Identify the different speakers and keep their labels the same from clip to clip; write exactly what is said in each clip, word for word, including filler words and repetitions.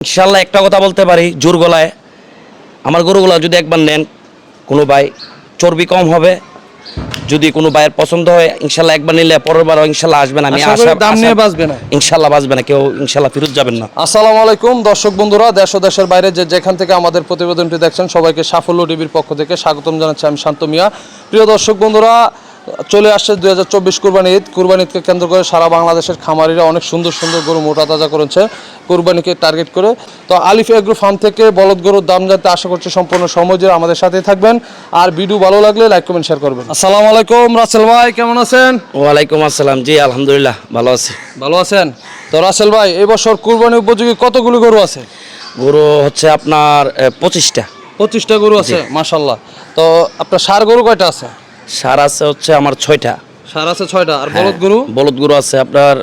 Speaker 1: ইনশাল্লাহ একটা কথা বলতে পারি জোর গলায়, আমার গরুগুলো যদি একবার নেন কোনো ভাই চর্বি কম হবে। যদি কোনো ভাইয়ের পছন্দ হয় ইনশাল্লাহ একবার নিলে পরের বার ইনশাল্লাহ আসবেন। আমি
Speaker 2: আশা করি দাম নিয়ে বাঁচবে না,
Speaker 1: ইনশাল্লাহ বাঁচবে না, কেউ ইনশাল্লাহ ফেরত যাবেন না।
Speaker 2: আসসালামু আলাইকুম দর্শক বন্ধুরা, দেশ ও দেশের বাইরে যে যেখান থেকে আমাদের প্রতিবেদনটি দেখছেন সবাইকে সাফল্য টিভির পক্ষ থেকে স্বাগতম জানাচ্ছি। আমি শান্ত মিয়া। প্রিয় দর্শক বন্ধুরা, চলে আসছে দুই হাজার চব্বিশ কুরবানি ঈদ। কুরবানি ঈদকে কেন্দ্র করে সারা বাংলাদেশের খামারিরা অনেক সুন্দর সুন্দর গরু মোটা তাজা করেছে কুরবানিকে টার্গেট করে। তো আলিফ এগ্রো ফার্ম থেকে বলদ গরুর দাম জানতে আশা করছি সম্পূর্ণ সময় জুড়ে আমাদের সাথেই থাকবেন। আর ভিডিও ভালো লাগলে লাইক কমেন্ট শেয়ার করবেন। আসসালামু আলাইকুম রাসেল ভাই, কেমন আছেন?
Speaker 1: ওয়ালাইকুম আসসালাম। জি আলহামদুলিল্লাহ ভালো আছি।
Speaker 2: ভালো আছেন তো রাসেল ভাই? এই বছর কুরবানি উপযোগী কতগুলো গরু আছে?
Speaker 1: গরু হচ্ছে আপনার পঁচিশটা।
Speaker 2: পঁচিশটা গরু আছে, মাশাল্লাহ। তো আপনার ষাঁড় গরু কয়টা আছে?
Speaker 1: সার আছে হচ্ছে আমার ছয়টা।
Speaker 2: ষাঁড় আছে ছয়টা। আর
Speaker 1: হ্যাঁ,
Speaker 2: বলদ গরু?
Speaker 1: বলদ গরু আছে আপনার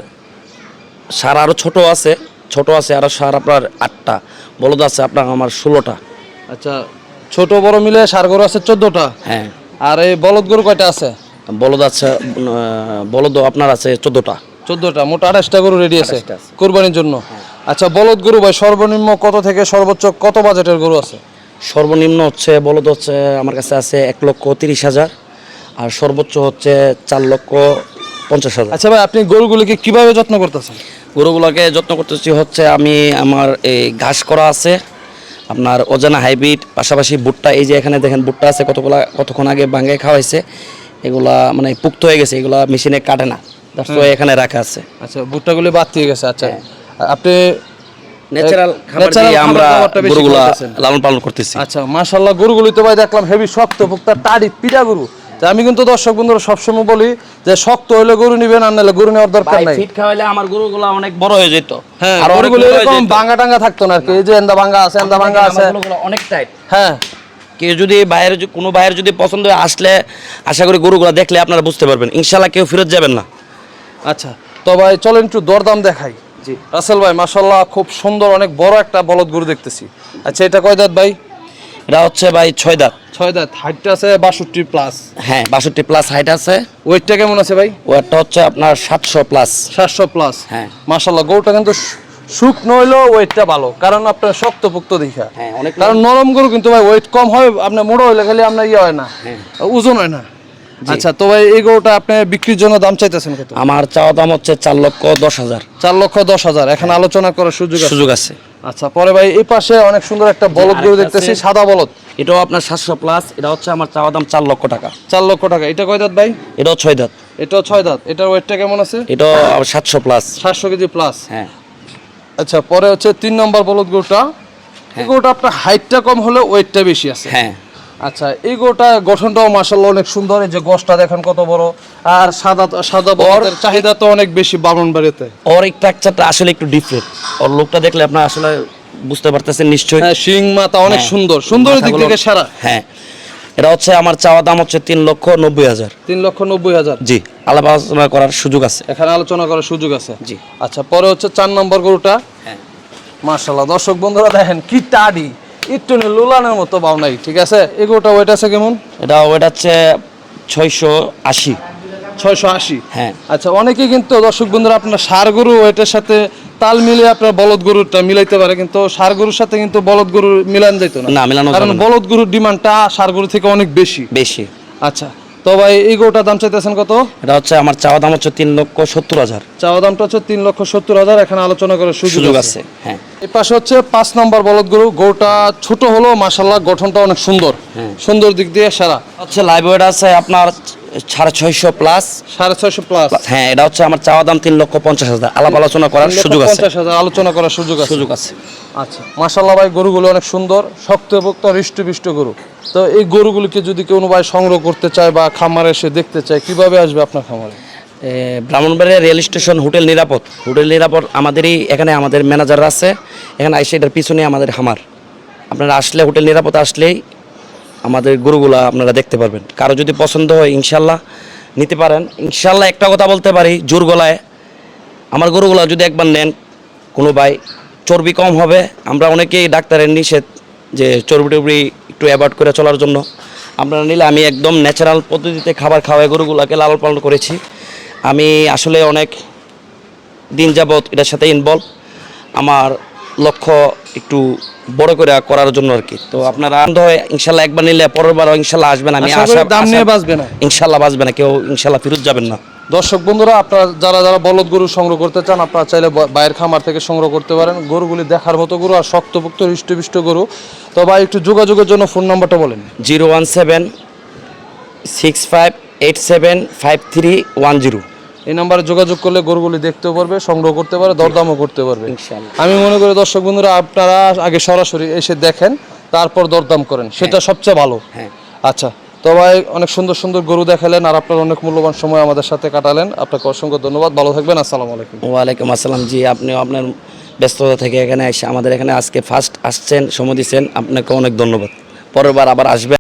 Speaker 1: সার আরও ছোট আছে, ছোট আছে আরও সার আপনার আটটা। বলদ আছে আপনার আমার ষোলোটা।
Speaker 2: আচ্ছা, ছোট বড় মিলে ষাঁড় গরু আছে চোদ্দটা।
Speaker 1: হ্যাঁ।
Speaker 2: আর এই বলদ গরু কয়টা আছে?
Speaker 1: বলদ আছে বলদ আপনার আছে চোদ্দোটা।
Speaker 2: চোদ্দটা, মোট আঠাশটা গরু রেডি আছে
Speaker 1: আঠাশটা আছে।
Speaker 2: কোরবানির জন্য। আচ্ছা, বলদ গরু ভাই সর্বনিম্ন কত থেকে সর্বোচ্চ কত বাজেটের গরু আছে?
Speaker 1: সর্বনিম্ন হচ্ছে বলদ হচ্ছে আমার কাছে আছে এক লক্ষ তিরিশ হাজার, আর সর্বোচ্চ হচ্ছে চার লক্ষ পঞ্চাশ হাজার।
Speaker 2: আচ্ছা ভাই, আপনি গরুগুলিকে কিভাবে যত্ন করতেছেন?
Speaker 1: গরুগুলোকে যত্ন করতেছি হচ্ছে আমি আমার এই ঘাস করা আছে আপনার অজানা হাইব্রিড, পাশাপাশি ভুট্টা। এই যে এখানে দেখেন ভুট্টা আছে, কতগুলা কতক্ষণ আগে ভাঙে খাওয়াইছে। এগুলা মানে পুক্ত হয়ে গেছে, এগুলা মেশিনে কাটে না, তো এখানে রাখা আছে।
Speaker 2: আচ্ছা, ভুট্টাগুলি বাদ দিয়ে গেছে। আচ্ছা, আপনি
Speaker 1: ন্যাচারাল খাবার
Speaker 2: ন্যাচারাল
Speaker 1: দিয়ে আমরা
Speaker 2: খাবারটা বেশি
Speaker 1: গরুগুলা
Speaker 2: খাওয়াইতেছেন।
Speaker 1: লালন পালন করতেছি।
Speaker 2: আচ্ছা, মাশাআল্লাহ, গরুগুলি তো ভাই দেখলাম হেভি শক্ত পুক্তা টাড়ি পিটা গরু। তা আমি কিন্তু দর্শক বন্ধুরা সবসময় বলি যে শক্ত হলে গরু নিবেন, আর নাহলে গরু নেওয়ার দরকার নাই।
Speaker 1: ফিট খাওয়াইলে আমার গরুগুলা অনেক বড় হয়ে যেত।
Speaker 2: হ্যাঁ,
Speaker 1: আর
Speaker 2: গরুগুলো এরকম ভাঙা টাঙ্গা থাকতো না আর কি। এই যে এন্দা ভাঙা আছে, এন্দা ভাঙা আছে,
Speaker 1: অনেক টাইট।
Speaker 2: হ্যাঁ।
Speaker 1: কেউ যদি বাইরে কোনো বাইরের যদি পছন্দ হয় আসলে আশা করি গরুগুলা দেখলে আপনারা বুঝতে পারবেন, ইনশাল্লাহ কেউ ফেরত যাবেন না।
Speaker 2: আচ্ছা, তো ভাই চলেন একটু দরদাম দেখাই।
Speaker 1: জি
Speaker 2: রাসেল ভাই, মাশাআল্লাহ, খুব সুন্দর অনেক বড় একটা বলদ গরু দেখতেছি। আচ্ছা, এটা কয় দাঁত ভাই?
Speaker 1: এটা হচ্ছে ভাই ছয় দাঁত।
Speaker 2: ছয় দাঁত। হাইটটা আছে বাষট্টি প্লাস।
Speaker 1: হ্যাঁ, বাষট্টি প্লাস হাইট আছে।
Speaker 2: ওয়েটটা কেমন আছে ভাই?
Speaker 1: ওয়েটটা হচ্ছে আপনার সাতশো প্লাস।
Speaker 2: সাতশো প্লাস।
Speaker 1: হ্যাঁ,
Speaker 2: মাশাআল্লাহ, গরুটা কিন্তু শুকনো হইলেও ওয়েটটা ভালো, কারণ আপনার শক্তপোক্ত দেখা।
Speaker 1: হ্যাঁ, অনেক
Speaker 2: কারণ নরম গরু কিন্তু ভাই ওয়েট কম হয়, আপনার মোড়ো হইলে খালি আপনার ইয়ে হয় না, ওজন হয় না। আচ্ছা, তো ভাই এই গরুটা আপনি বিক্রির জন্য দাম চাইতেছেন কত?
Speaker 1: আমার চাওয়া দাম হচ্ছে চার লক্ষ দশ হাজার।
Speaker 2: চার লক্ষ দশ হাজার। এখন আলোচনা করার সুযোগ আছে?
Speaker 1: সুযোগ আছে।
Speaker 2: আচ্ছা, পরে ভাই এই পাশে অনেক সুন্দর একটা বলদ গরু দেখতেছি, সাদা বলদ।
Speaker 1: এটাও আপনার সাতশো প্লাস। এটা হচ্ছে আমার চাওয়া দাম চার লক্ষ টাকা।
Speaker 2: চার লক্ষ টাকা। এটা কয় দাঁত ভাই?
Speaker 1: এটাও ছয় দাঁত।
Speaker 2: এটাও ছয় দাঁত। এটার ওয়েটটা কেমন আছে?
Speaker 1: এটাও সাতশো প্লাস।
Speaker 2: সাতশো কেজি প্লাস।
Speaker 1: হ্যাঁ।
Speaker 2: আচ্ছা, পরে হচ্ছে তিন নম্বর বলদ গরুটা। এই গরুটা আপনার হাইটটা কম হলে ওয়েটটা বেশি আছে।
Speaker 1: হ্যাঁ।
Speaker 2: আচ্ছা, এই গরুটা গঠনটাও মাশাআল্লাহ অনেক সুন্দর। এই যে গোশটা দেখেন কত বড়, আর সাদা সাদা বলদের চাহিদা তো অনেক বেশি ব্রাহ্মণবাড়িয়াতে।
Speaker 1: ওর স্ট্রাকচারটা আসলে একটু ডিফারেন্ট। ওর লোকটা দেখলে আপনারা আসলে বুঝতে পারতেছেন নিশ্চয়ই।
Speaker 2: হ্যাঁ, শিং মাথা অনেক
Speaker 1: হ্যাঁ।
Speaker 2: সুন্দর, সুন্দরের দিক থেকে সারা।
Speaker 1: হ্যাঁ, এটা হচ্ছে আমার চাওয়া দাম হচ্ছে তিন লক্ষ নব্বই হাজার।
Speaker 2: তিন লক্ষ নব্বই হাজার।
Speaker 1: জি, আলাপ আলোচনা করার সুযোগ আছে।
Speaker 2: এখানে আলোচনা করার সুযোগ আছে।
Speaker 1: জি।
Speaker 2: আচ্ছা, পরে হচ্ছে চার নম্বর গরুটা।
Speaker 1: হ্যাঁ,
Speaker 2: মাশাআল্লাহ, দর্শক বন্ধুরা দেখেন কি টাডি, একটু লুলানের মতো বাউ নাই, ঠিক আছে। এই গরুটা ওয়েট আছে কেমন?
Speaker 1: এটা ওয়েট হচ্ছে ছয়শো আশি।
Speaker 2: ছয়শো আশি।
Speaker 1: হ্যাঁ।
Speaker 2: আচ্ছা, অনেকেই কিন্তু দর্শক বন্ধুরা আপনার ষাঁড় গরু ওয়েটের সাথে তাল মিলিয়ে আপনার বলদ গরুটা মিলাইতে পারে, কিন্তু ষাঁড় গরুর সাথে কিন্তু বলদ গরু মিলান যেত না।
Speaker 1: না, মিলানো
Speaker 2: কারণ
Speaker 1: যাবে না।
Speaker 2: বলদ গরুর ডিমান্ডটা ষাঁড় গরু থেকে অনেক বেশি
Speaker 1: বেশি।
Speaker 2: আচ্ছা, তো ভাই এই গরুটার দাম চাইতেছেন কত?
Speaker 1: এটা হচ্ছে আমার চাওয়া দাম হচ্ছে তিন লক্ষ সত্তর হাজার।
Speaker 2: চাওয়া দামটা হচ্ছে তিন লক্ষ সত্তর হাজার। এখানে আলোচনা করার সুযোগ
Speaker 1: সুযোগ
Speaker 2: আছে।
Speaker 1: আছে। হ্যাঁ।
Speaker 2: এই পাশে হচ্ছে পাঁচ নম্বর বলদ গরু। গরুটা ছোট হলো, মাশাআল্লাহ, গঠনটা অনেক সুন্দর।
Speaker 1: হ্যাঁ।
Speaker 2: সুন্দর দিক দিয়ে সারা।
Speaker 1: হচ্ছে লাইভ ওয়েট আছে আপনার সাড়ে ছয়শো প্লাস।
Speaker 2: সাড়ে ছয়শো প্লাস।
Speaker 1: হ্যাঁ, এটা হচ্ছে আমার চাওয়া দাম তিন লক্ষ পঞ্চাশ হাজার। আলাপ আলোচনা করার সুযোগ আছে।
Speaker 2: পঞ্চাশ হাজার আলোচনা করার সুযোগ আছে।
Speaker 1: সুযোগ আছে।
Speaker 2: আচ্ছা, মাশাআল্লাহ ভাই, গরুগুলো অনেক সুন্দর, শক্তপোক্ত, হৃষ্টপুষ্ট গরু। তো এই গরুগুলিকে যদি কোনো ভাই সংগ্রহ করতে চায় বা খামারে এসে দেখতে চায়, কিভাবে আসবে আপনার খামারে?
Speaker 1: Brahmanbaria rail station, hotel Nirapad. Hotel Nirapad আমাদেরই এখানে, আমাদের ম্যানেজার আছে এখানে। আইসে এটার পিছনে আমাদের খামার। আপনারা আসলে হোটেল নিরাপদ আসলেই আমাদের গরুগুলা আপনারা দেখতে পারবেন। কারো যদি পছন্দ হয় ইনশাল্লাহ নিতে পারেন। ইনশাল্লাহ একটা কথা বলতে পারি জোর গলায়, আমার গরুগুলা যদি একবার নেন কোনো ভাই চর্বি কম হবে। আমরা অনেকেই ডাক্তারের নিষেধ যে চর্বি টর্বি একটু অ্যাভয়েড করে চলার জন্য। আপনারা নিলে আমি একদম ন্যাচারাল পদ্ধতিতে খাবার খাওয়াই গরুগুলাকে লালন পালন করেছি। আমি আসলে অনেক দিন যাবৎ এটার সাথে ইনভলভ। আমার লক্ষ্য একটু বড় করে করার জন্য আর কি। তো আপনারা আনন্দ হয় ইনশাল্লাহ, একবার নিলে পরের বার ইনশাল্লাহ আসবেন। আমি
Speaker 2: আশা করি
Speaker 1: আশা
Speaker 2: দাম নিয়ে
Speaker 1: আশা-
Speaker 2: বাঁচবে না।
Speaker 1: ইনশাল্লাহ বাঁচবে না কেউ, ইনশাল্লাহ ফেরত যাবেন না।
Speaker 2: দর্শক বন্ধুরা, আপনারা যারা যারা বলদ গরু সংগ্রহ করতে চান, আপনারা চাইলে ব- ভাইয়ের খামার থেকে সংগ্রহ করতে পারেন। গরুগুলি দেখার মতো গরু আর শক্তপোক্ত হৃষ্টপুষ্ট গরু। তো ভাই একটু যোগাযোগের জন্য ফোন নাম্বারটা বলেন।
Speaker 1: Zero one seven six five eight seven five three one zero.
Speaker 2: এই নাম্বারে যোগাযোগ করলে গরুগুলি দেখতেও পারবে, সংগ্রহ করতে পারে, দরদামও করতে পারবে।
Speaker 1: ইনশাআল্লাহ।
Speaker 2: আমি মনে করি দর্শক বন্ধুরা, আপনারা আগে সরাসরি এসে দেখেন, তারপর দরদাম করেন, সেটা সবচেয়ে ভালো।
Speaker 1: হ্যাঁ।
Speaker 2: আচ্ছা, তো ভাই অনেক সুন্দর সুন্দর গরু দেখালেন আর আপনার অনেক মূল্যবান সময় আমাদের সাথে কাটালেন। আপনাকে অসংখ্য ধন্যবাদ, ভালো থাকবেন, আসসালামু আলাইকুম।
Speaker 1: ওয়ালাইকুম আসসালাম। জি, আপনিও আপনার ব্যস্ততা থেকে এখানে এসে আমাদের এখানে আজকে ফার্স্ট আসছেন, সময় দিচ্ছেন, আপনাকে অনেক ধন্যবাদ। পরের বার আবার আসবেন।